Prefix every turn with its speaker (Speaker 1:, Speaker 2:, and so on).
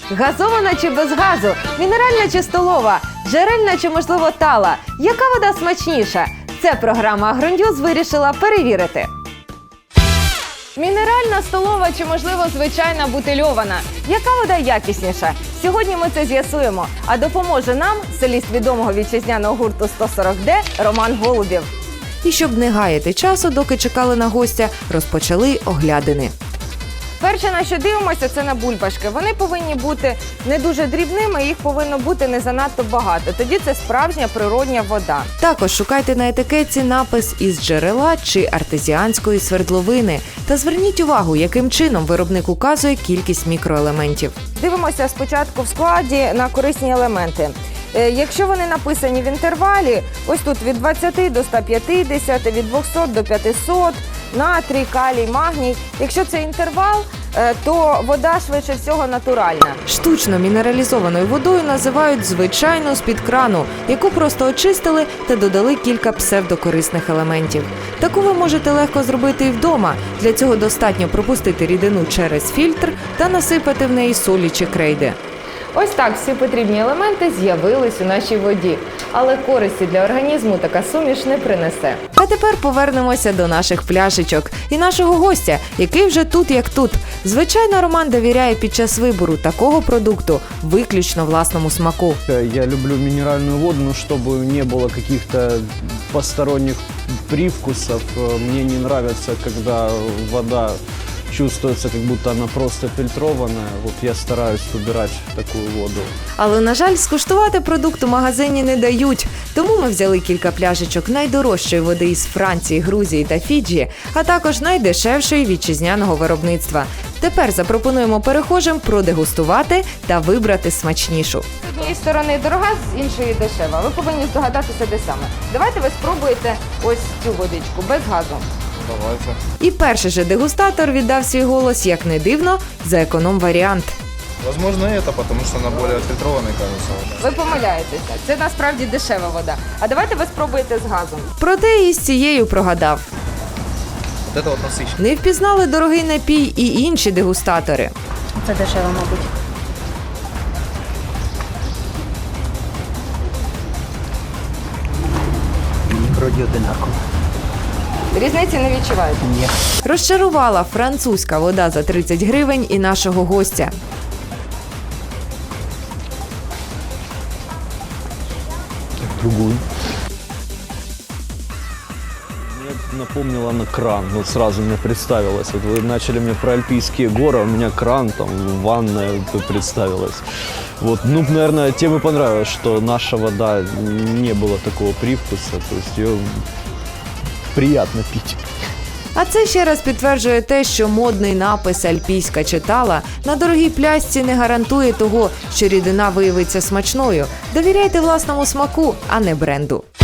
Speaker 1: Газована чи без газу? Мінеральна чи столова? Джерельна чи, можливо, тала? Яка вода смачніша? Це програма «Агроньюз» вирішила перевірити. Мінеральна, столова чи, можливо, звичайна бутильована? Яка вода якісніша? Сьогодні ми це з'ясуємо. А допоможе нам соліст відомого вітчизняного гурту «140D» Роман Голубєв. І щоб не гаяти часу, доки чекали на гостя, розпочали оглядини. Перше, на що дивимося, це на бульбашки. Вони повинні бути не дуже дрібними, їх повинно бути не занадто багато. Тоді це справжня природня вода. Також шукайте на етикетці напис «із джерела» чи «артезіанської свердловини». Та зверніть увагу, яким чином виробник указує кількість мікроелементів. Дивимося спочатку в складі на корисні елементи. Якщо вони написані в інтервалі, ось тут від 20 до 150, від 200 до 500, натрій, калій, магній. Якщо це інтервал, то вода швидше всього натуральна. Штучно мінералізованою водою називають звичайну з-під крану, яку просто очистили та додали кілька псевдокорисних елементів. Таку ви можете легко зробити і вдома. Для цього достатньо пропустити рідину через фільтр та насипати в неї солі чи крейди. Ось так всі потрібні елементи з'явились у нашій воді. Але користі для організму така суміш не принесе. А тепер повернемося до наших пляшечок і нашого гостя, який вже тут як тут. Звичайно, Роман довіряє під час вибору такого продукту виключно власному смаку.
Speaker 2: Я люблю минеральную воду, но чтобы не было каких-то посторонних привкусов. Мне не нравится, когда вода чувствуется, как будто она просто фильтрованная. Вот я стараюсь убирать такую воду.
Speaker 1: Але, на жаль, скуштувати продукт у магазині не дають. Тому ми взяли кілька пляшечок найдорожчої води із Франції, Грузії та Фіджі, а також найдешевшої вітчизняного виробництва. Тепер запропонуємо перехожим продегустувати та вибрати смачнішу. З однієї сторони дорога, з іншої дешева. Ви повинні здогадатися, де саме. Давайте ви спробуєте ось цю водичку, без газу.
Speaker 2: Давайте.
Speaker 1: І перший же дегустатор віддав свій голос, як не дивно, за економ-варіант.
Speaker 3: Возможно, это, потому что она более отфильтрованная, кажется.
Speaker 1: Ви помиляєтеся. Це насправді дешева вода. А давайте ви спробуєте з газом. Проте і з цією прогадав.
Speaker 3: Вот это вот насыщенно.
Speaker 1: Не впізнали дорогий напій і інші дегустатори.
Speaker 4: Це дешево, мабуть.
Speaker 2: Вроде одинаково.
Speaker 1: Різниці не відчуваєте?
Speaker 2: Ні.
Speaker 1: Розчарувала французька вода за 30 гривень і нашого гостя.
Speaker 2: Другую. Мне напомнила на кран. Вот сразу мне представилось. Вот вы начали мне про альпийские горы, а у меня кран, там, ванная представилась. Вот, ну, наверное, тем и понравилось, что наша вода не было такого привкуса. То есть ее приятно пить.
Speaker 1: А це ще раз підтверджує те, що модний напис «Альпійська чи тала» на дорогій пляшці не гарантує того, що рідина виявиться смачною. Довіряйте власному смаку, а не бренду.